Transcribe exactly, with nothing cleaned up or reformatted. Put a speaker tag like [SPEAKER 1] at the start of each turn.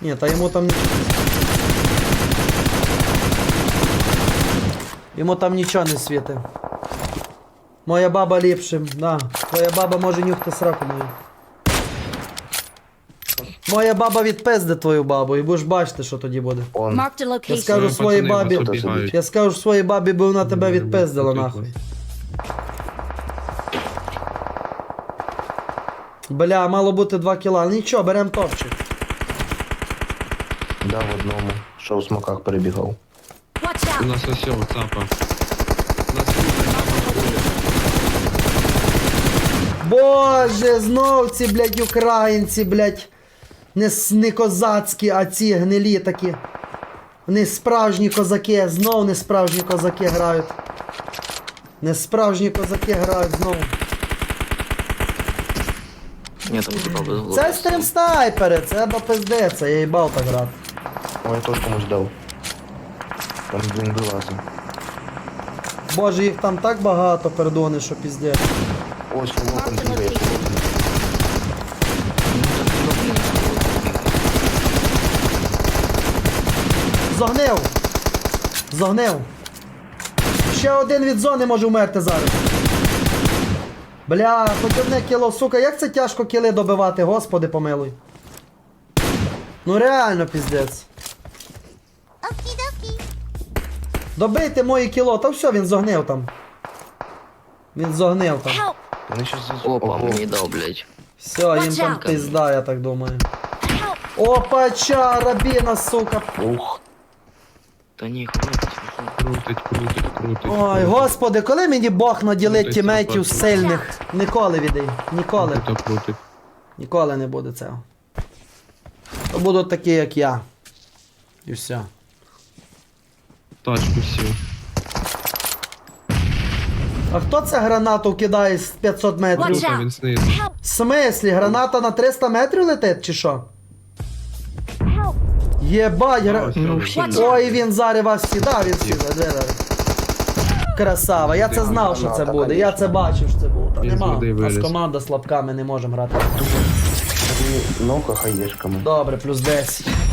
[SPEAKER 1] Ні, та йому там... Йому там нічого не світить. Моя баба ліпшим, да. Твоя баба може нюхти сраку мою. Моя баба відпизде твою бабу і будеш бачити, що тоді буде.
[SPEAKER 2] Он.
[SPEAKER 3] Marked a
[SPEAKER 1] Я
[SPEAKER 3] location.
[SPEAKER 1] скажу
[SPEAKER 4] Пацани,
[SPEAKER 1] своїй
[SPEAKER 4] вас
[SPEAKER 1] бабі,
[SPEAKER 4] обігають.
[SPEAKER 1] я скажу своїй бабі, бо вона тебе
[SPEAKER 4] Ні,
[SPEAKER 1] відпиздила
[SPEAKER 4] ні,
[SPEAKER 1] нахуй.
[SPEAKER 4] ні.
[SPEAKER 1] Бля, мало бути два кіла. Нічого, берем топчик.
[SPEAKER 2] Да, в одному. Що в смоках перебігав.
[SPEAKER 3] Watch
[SPEAKER 4] У
[SPEAKER 3] out!
[SPEAKER 4] нас ось цього цапа. У нас тут
[SPEAKER 1] Боже, знов ці, блядь, українці, блядь. Не, с- не козацькі, а ці гнилі такі. Не справжні козаки, знов не справжні козаки грають. Не справжні козаки грають знову.
[SPEAKER 5] Ні, там типа без голови.
[SPEAKER 1] Це стрім снайпери, це до пиздеться, я їбав так грати.
[SPEAKER 2] Ой, я теж комусь дав. Там він вилазив.
[SPEAKER 1] Боже, їх там так багато, пердони, що піздець.
[SPEAKER 2] Ось лопен
[SPEAKER 3] Marked a
[SPEAKER 2] бігає.
[SPEAKER 3] location.
[SPEAKER 1] Зогнив! Зогнив! Ще один від зони може вмерти зараз. Бля, хоч одне кіло, сука, як це тяжко кіли добивати, господи помилуй. Ну реально піздець. Добийте моє кіло, та все, він зогнив там. Він зогнив там.
[SPEAKER 3] Help!
[SPEAKER 2] Вони щас...
[SPEAKER 5] Опа,
[SPEAKER 2] Ого.
[SPEAKER 5] мені дав, блядь.
[SPEAKER 1] Все, їм
[SPEAKER 3] Watch
[SPEAKER 1] там
[SPEAKER 3] out.
[SPEAKER 1] пизда, я так думаю.
[SPEAKER 3] Help!
[SPEAKER 1] Опача, рабіна, сука.
[SPEAKER 2] Ух.
[SPEAKER 5] Та ні, хватить.
[SPEAKER 4] крутить, крутить, крутить.
[SPEAKER 1] Ой,
[SPEAKER 4] крутить.
[SPEAKER 1] господи, коли мені Бог наділить
[SPEAKER 4] Крутить,
[SPEAKER 1] тімейтів
[SPEAKER 4] крутить.
[SPEAKER 1] сильних? Ніколи відей. Ніколи.
[SPEAKER 4] Крутить, крутить.
[SPEAKER 1] Ніколи не буде цього. То будуть такі, як я. І все.
[SPEAKER 4] Тачку сів.
[SPEAKER 1] А хто це гранату кидає з п'ятсот метрів?
[SPEAKER 3] Watch
[SPEAKER 4] Круто,
[SPEAKER 3] out.
[SPEAKER 4] він знизу.
[SPEAKER 3] Help!
[SPEAKER 1] В смислі, граната на триста метрів летить, чи що?
[SPEAKER 3] Help!
[SPEAKER 1] Єбать, гра...
[SPEAKER 4] Ось,
[SPEAKER 5] Ну,
[SPEAKER 4] ось,
[SPEAKER 5] всі.
[SPEAKER 4] ось.
[SPEAKER 1] Ой, він зараз вас сідав, він сідав. Де, де? Красава, я це знав, що це буде. Я це бачив, що це буде. Та
[SPEAKER 4] Він з
[SPEAKER 1] нема.
[SPEAKER 4] води
[SPEAKER 1] У нас
[SPEAKER 4] виліз.
[SPEAKER 1] команда слабка, ми не можемо грати.
[SPEAKER 2] Ну-ка, хаєшками.
[SPEAKER 1] Добре, плюс десять.